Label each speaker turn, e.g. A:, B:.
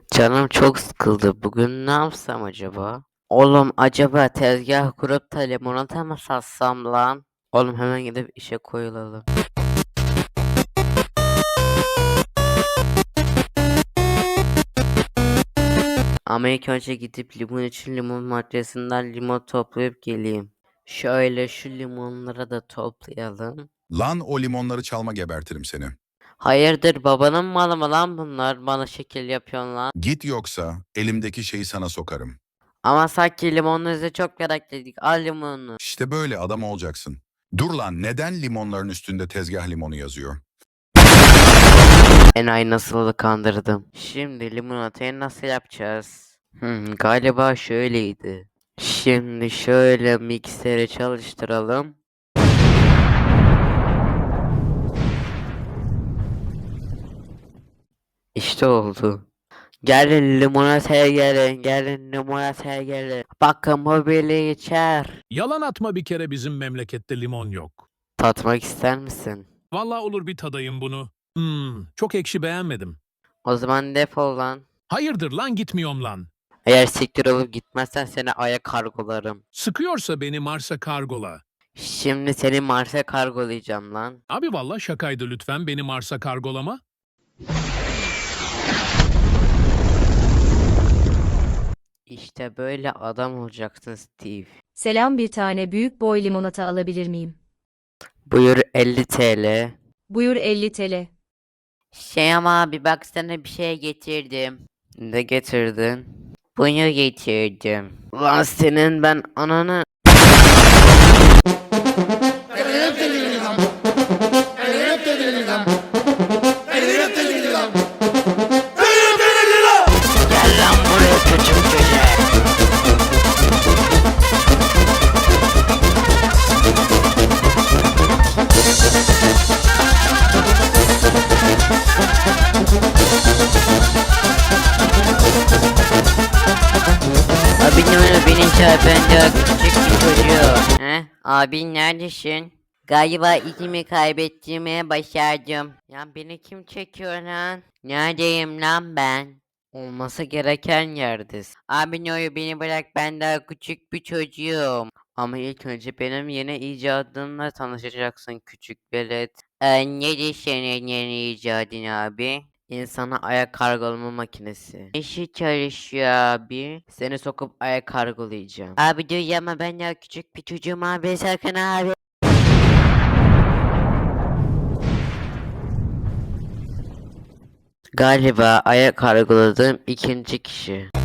A: Canım çok sıkıldı. Bugün ne yapsam acaba? Oğlum acaba tezgah kurup da limonata mı satsam lan? Oğlum hemen gidip işe koyulalım. Ama ilk önce gidip limon için limon maddesinden limon toplayıp geleyim. Şöyle şu limonları da toplayalım.
B: Lan o limonları çalma gebertirim seni.
A: Hayırdır babanın malı mı lan bunlar? Bana şekil yapıyorsun lan.
B: Git yoksa elimdeki şeyi sana sokarım.
A: Ama sanki limonunuzu çok meraklıydık. Al limonunu.
B: İşte böyle adam olacaksın. Dur lan neden limonların üstünde tezgah limonu yazıyor?
A: Enayi nasıl kandırdım. Şimdi limonatayı nasıl yapacağız? Galiba şöyleydi. Şimdi şöyle mikseri çalıştıralım. İşte oldu. Gelin limonataya gelin, gelin limonataya gelin. Bakın bu birliği içer.
C: Yalan atma bir kere bizim memlekette limon yok.
A: Tatmak ister misin?
C: Vallahi olur bir tadayım bunu. Çok ekşi beğenmedim.
A: O zaman defol lan.
C: Hayırdır lan gitmiyorum lan.
A: Eğer siktir olup gitmezsen seni Ay'a kargolarım.
C: Sıkıyorsa beni Mars'a kargola.
A: Şimdi seni Mars'a kargolayacağım lan.
C: Abi vallahi şakaydı lütfen beni Mars'a kargolama.
A: İşte böyle adam olacaksın Steve.
D: Selam, bir tane büyük boy limonata alabilir miyim?
A: Buyur 50 TL.
D: Buyur, 50 TL.
A: Şey ama abi baksana bir şey getirdim. Ne getirdin? Bunu getirdim. Lan senin ben ananı... Gel lan buraya küçük köşe. Abi ne öyle beni çağır, ben daha küçük bir çocuğum. Abi neredesin? Galiba izimi kaybettirmeye başardım. Ya beni kim çekiyor lan? Neredeyim lan ben? Olması gereken yerdesin. Abi ne oluyor, beni bırak, ben daha küçük bir çocuğum. Ama ilk önce benim yeni icadımla tanışacaksın küçük velet. Nedir senin yeni icadın abi? İnsana ayak kargolama makinesi. İşi çalışıyor abi. Seni sokup ayak kargolayacağım. Abi dur ama ben daha küçük bir çocuğum abi, sakın abi. Galiba ayak kargoladığım ikinci kişi.